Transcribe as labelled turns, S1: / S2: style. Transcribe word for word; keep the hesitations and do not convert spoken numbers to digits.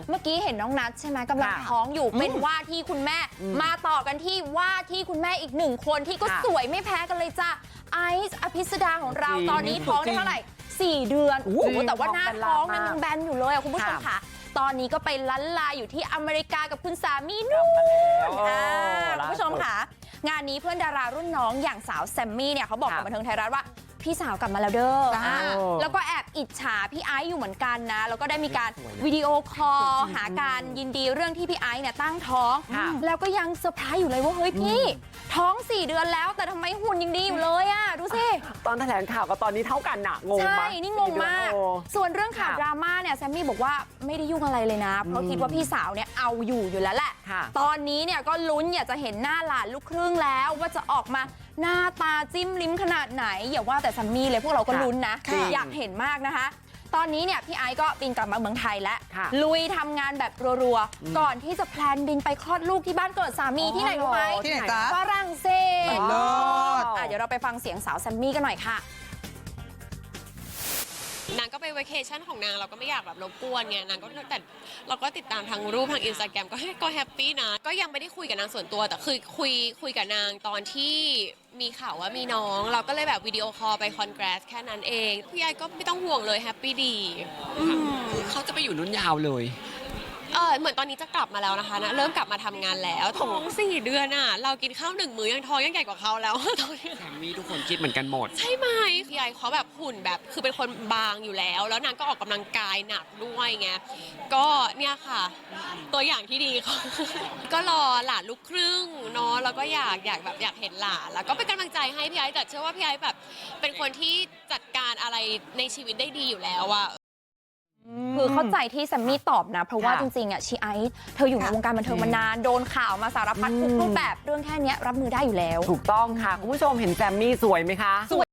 S1: เมื่อกี้เห็นน้องนัทใช่ไหมกำลังท้องอยู่เป็นว่าที่คุณแม่มาต่อกันที่ว่าที่คุณแม่อีกหนึ่งคนที่ก็สวยไม่แพ้กันเลยจ้ะไอซ์อภิสดาของเราตอนนี้ท้องได้เท่าไหร่สี่เดือนโอ้โหแต่ว่าหน้าท้องนั้นยังแบนอยู่เลยคุณผู้ชมค่ะตอนนี้ก็ไปลันลาอยู่ที่อเมริกากับคุณสามีนู่นคุณผู้ชมค่ะงานนี้เพื่อนดารารุ่นน้องอย่างสาวแซมมี่เนี่ยเขาบอกกับบันเทิงไทยรัฐว่าพี่สาวกลับมาแล้วเด้อแล้วก็แอบอิจฉาพี่ไอซ์อยู่เหมือนกันนะแล้วก็ได้มีการวิดีโอคอลหาการยินดีเรื่องที่พี่ไอซ์เนี่ยตั้งท้องแล้วก็ยังเซอร์ไพรส์อยู่เลยว่าเฮ้ยพี่ท้องสี่เดือนแล้วแต่ทำไมหุ่นยังดีอยู่เลยอ่ะดูสิ
S2: ตอนแถลงข่าวกับตอนนี้เท่ากันน่ะงงมาก
S1: ใช่นี่งงมากส่วนเรื่องข่าวดราม่าเนี่ยแซมมี่บอกว่าไม่ได้ยุ่งอะไรเลยนะเพราะคิดว่าพี่สาวเนี่ยเอาอยู่อยู่แล้วแหละตอนนี้เนี่ยก็ลุ้นอยากจะเห็นหน้าหลานลูกครึ่งแล้วว่าจะออกมาหน้าตาจิ้มลิ้มขนาดไหนอย่าว่าแต่แซมมี่เลยพวกเราก็ลุ้นนะอยากเห็นมากนะคะตอนนี้เนี่ยพี่ไอซ์ก็บินกลับมาเมืองไทยแล้วลุยทำงานแบบรัวๆก่อนที่จะแพลนบินไปคลอดลูกที่บ้านเกิดสามีที่ไหนรู้ไหม
S3: ที่ไหนจ๊ะ
S1: ฝรั่งเศสเดี๋ยวเราไปฟังเสียงสาวแซมมี่กันหน่อยค่ะ
S4: นางก็ไปเวเคชั่นของนางเราก็ไม่อยากแบบรบกวนไงนางก็แต่เราก็ติดตามทางรูปทางอินสตาแกรมก็ก็แฮปปี้นะก็ยังไม่ได้คุยกับนางส่วนตัวแต่คือคุยคุยกับนางตอนที่มีข่าวว่ามีน้องเราก็เลยแบบวิดีโอคอลไปคอนแกรสแค่นั้นเองพี่ยายก็ไม่ต้องห่วงเลยแฮปปี้ดี
S2: เขาจะไปอยู่นุ่นยาวเลย
S4: เออเหมือนตอนนี้จะกลับมาแล้วนะคะนะเริ่มกลับมาทำงานแล้วท้องสี่เดือนอ่ะเรากินข้าวหนึ่งมื้อยังท้องยังใหญ่กว่าเขาแล้วตอนนี้
S2: แซมมี่ทุกคนคิดเหมือนกันหมด
S4: ใช่ไหมพี่ไอเขาแบบหุ่นแบบคือเป็นคนบางอยู่แล้วแล้วนางก็ออกกำลังกายหนักด้วยไงก็เนี่ยค่ะตัวอย่างที่ดีเขาก็รอหลานลูกครึ่งเนาะแล้วก็อยากอยากแบบอยากเห็นหลานแล้วก็เป็นกำลังใจให้พี่ไอแต่เชื่อว่าพี่ไอแบบเป็นคนที่จัดการอะไรในชีวิตได้ดีอยู่แล้วอะ
S1: คือเข้าใจที่แซมมี่ตอบนะเพราะว่าจริงๆอ่ะชีไอซ์เธออยู่ในวงการบันเทิงมานานโดนข่าวมาสารพัดทุกรูปแบบเรื่องแค่นี้รับมือได้อยู่แล้ว
S2: ถูกต้องค่ะคุณผู้ชมเห็นแซมมี่สวยไหมคะ